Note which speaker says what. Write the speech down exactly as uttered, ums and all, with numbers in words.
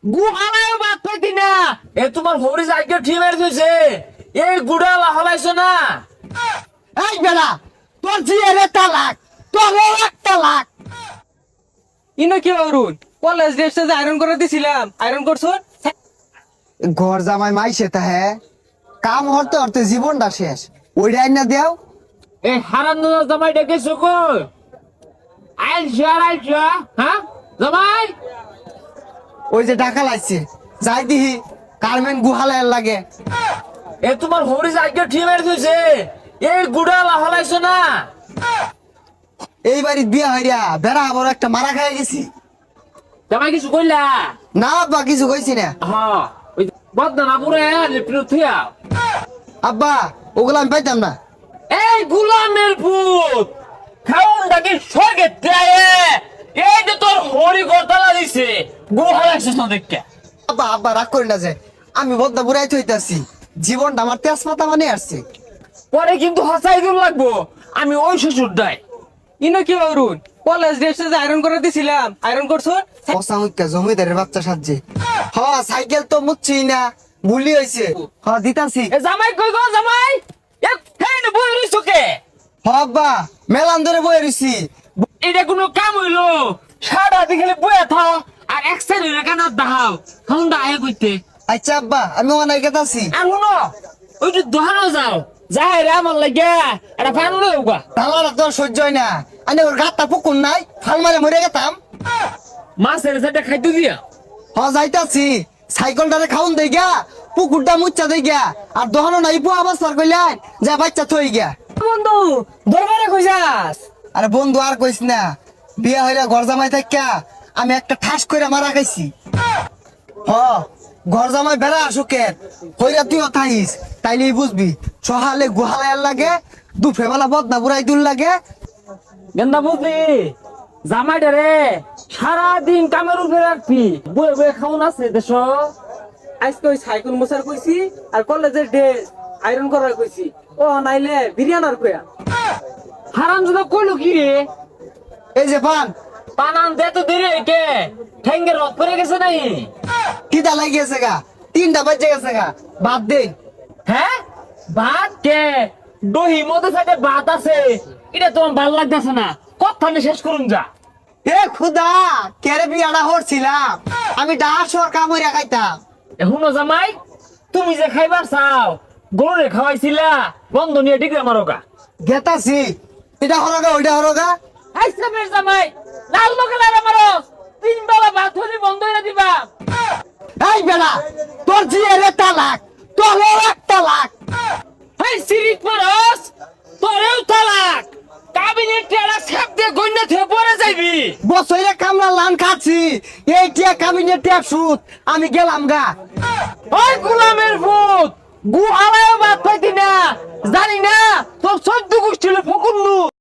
Speaker 1: গুহালায়ও বাদ পাইতি না। এ তোমার হরি সাইকেল ঠিক মেরে দিয়েছে। এই গুড়া লাহালাইছো না।
Speaker 2: এই বেলা তোর জিয়ারে তালাক, তোর এক তালাক।
Speaker 3: ইনো কি অরুণ কলেজ ড্রেসটা যে আয়রন করে দিছিলাম আয়রন করছো?
Speaker 2: ঘর জামাই মাইছে তা হ্যাঁ কাম হরতে হরতে জীবনটা শেষ। ওইটাই না দেও।
Speaker 1: এই হারাম জামাই ডেকেছো কই? আইসা আইসা হ্যাঁ জামাই।
Speaker 2: ওই যে টাকা লাগছে যাই দিহি কারমেন গুহালায় লাগে।
Speaker 1: এ তোমার হরি সাইকেল ঠিক মেরে দিয়েছে। এই গুড়া লাহালাইছো না।
Speaker 2: এই বাড়ির বিয়া হইয়া বেড়া আবার একটা মারা খাই গেছি।
Speaker 1: জামাই কিছু কইলা?
Speaker 2: না আব্বা কিছু কইছি না।
Speaker 1: হ্যাঁ ওই বদনা পুরে লিপ্ট থিয়া।
Speaker 2: আব্বা ওগুলো আমি পাইতাম না।
Speaker 1: এই গুলামের পুত খাউনটাকে স্বর্গে দেয়। এই যে তোর হরি গতলা দিছে গুহালাইছো না দেখকে।
Speaker 2: আব্বা আব্বা রাগ করি না যে আমি বদ্দা বুড়াই থইতাছি। জীবনটা আমার তেজপাতা মানে আসছে।
Speaker 1: পরে কিন্তু হাসাই দূর লাগবো। আমি ওই শ্বশুর দাই।
Speaker 3: ইনো কি অরুণ কলেজ ড্রেসটা যে আয়রন করে দিছিলাম আয়রন করছো?
Speaker 2: পচা মুখা জমিদারের বাচ্চা সাজছে। হ সাইকেল তো মুচ্ছি না ভুলি হয়েছে। হ দিতাছি।
Speaker 1: এ জামাই কই গো জামাই? এ হেন বই রইছো কে?
Speaker 2: হ আব্বা মেলান ধরে বয়ে রইছি।
Speaker 1: এটা কোনো কাম হইলো? সারা দিন খালি বইয়া থাও আর এক সাইডে কেন দাও খাউনটা আয় কইতে।
Speaker 2: আচ্ছা আব্বা আমি অনেক গেতাছি।
Speaker 1: আর শুনো ওই যে দোহানো যাও যাই রে আমার লাগে এটা ফান লই উগা।
Speaker 2: তাহলে তোর সহ্য হয় না। আনে ওর গাতটা পুকুর নাই ফাল মারে মরে গেতাম।
Speaker 1: মাছের সাথে খাইতে দিয়া।
Speaker 2: হ যাইতাছি সাইকেলটারে খাউন দেই গা পুকুরটা মুচ্চা দেই গা আর দহনো নাই বুয়া আবাসার কইলাই যা বাচ্চা থই গা।
Speaker 3: বন্ধু দরবারে কইছাস?
Speaker 2: আরে বন্ধু আর কইস না বিয়া হইরা ঘর জামাই থাকা আমি একটা ঠাস কইরা মারা খাইছি। হ ঘর জামাই বেড়া আসুকের হইরা তুইও থাইস তাইলেই বুঝবি সহালে গুহালায়ার লাগে দুফে বেলা বদনা বুড়াই দুল লাগে।
Speaker 1: গেন্দা বুঝলি জামাইটা রে সারাদিন কামের উপরে রাখবি বয়ে বয়ে খাউন আছে দেশ।
Speaker 3: আজকে ওই সাইকেল মোছার কইছি আর কলেজের ড্রেস আয়রন করার কইছি। ও নাইলে বিরিয়ানার কইয়া।
Speaker 1: হারাম যদি কইলো কি রে?
Speaker 2: এই যে পান
Speaker 1: পানান দে তো দেরি কে ঠেঙ্গের রথ পড়ে গেছে নাই?
Speaker 2: কিদা লাগিয়েছে গা তিনটা বাজে গেছে গা বাদ দে।
Speaker 1: হ্যাঁ ভাত কে দহি মধ্যে সাথে ভাত আছে এটা তোমার ভাল লাগতেছে না। কথা শেষ করুন যা।
Speaker 2: এ খুদা কেরে বিয়াটা হরছিলাম আমি ডাস সর কামড়িয়া খাইতাম।
Speaker 1: এখনো জামাই তুমি যে খাইবার চাও গরুরে খাওয়াইছিলা বন্ধ নিয়ে ডিগ্রা মারোগা।
Speaker 2: গেতাছি এটা হরগা ওইটা হরগা।
Speaker 1: আইসামের জামাই লাল লোকে লারা মারো তিন বেলা ভাত হলি বন্ধ হইয়া দিবা।
Speaker 2: এই বেলা তোর জিয়ারে তালাক, তোর এক তালাক।
Speaker 1: হেই সিরিক মারস তোরেও তালাক। কাবিনেট টেরা ছাপ দিয়ে গন্যা থেকে পড়ে যাইবি।
Speaker 2: বছরে কামলা লান খাচ্ছি এই টিয়া কাবিনের টিয়া সুদ আমি গেলাম গা।
Speaker 1: ওই গোলামের ভূত গুহালায়ও বাদ পাইতি না জানি না তোর চোদ্দ গোষ্ঠী ফকুন্নু।